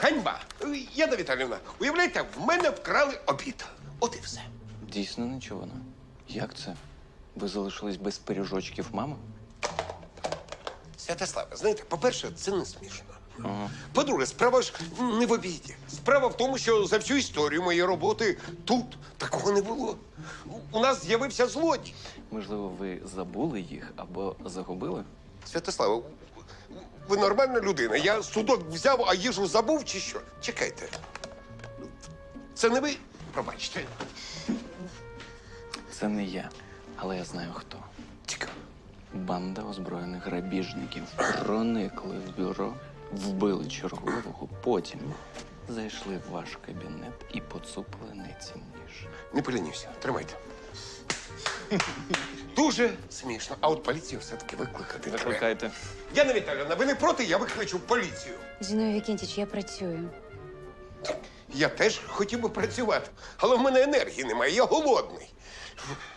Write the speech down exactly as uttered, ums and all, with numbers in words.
ганьба. Яна Віталіївна, уявляєте, в мене вкрали обід. От і все. Дійсно нечувано. Як це? Ви залишились без пиріжочків мами? Святославе, знаєте, по-перше, це не смішно. Ага. По-друге, справа ж не в обіді. Справа в тому, що за всю історію моєї роботи тут такого не було. У нас з'явився злодій. Можливо, ви забули їх або загубили? Святославе, ви нормальна людина. Я судок взяв, а їжу забув чи що? Чекайте. Це не ви? Пробачте. Це не я, але я знаю хто. Цікаво. Банда озброєних грабіжників проникли в бюро, вбили чергового, потім зайшли в ваш кабінет і поцупили найцінніше. Не полінівся. Тримайте. Дуже смішно. А от поліцію все-таки викликати треба. Викликайте. Яна Віталіївна, ви не проти, я викличу поліцію. Зіновій Вікентіч, я працюю. Я теж хотів би працювати, але в мене енергії немає, я голодний.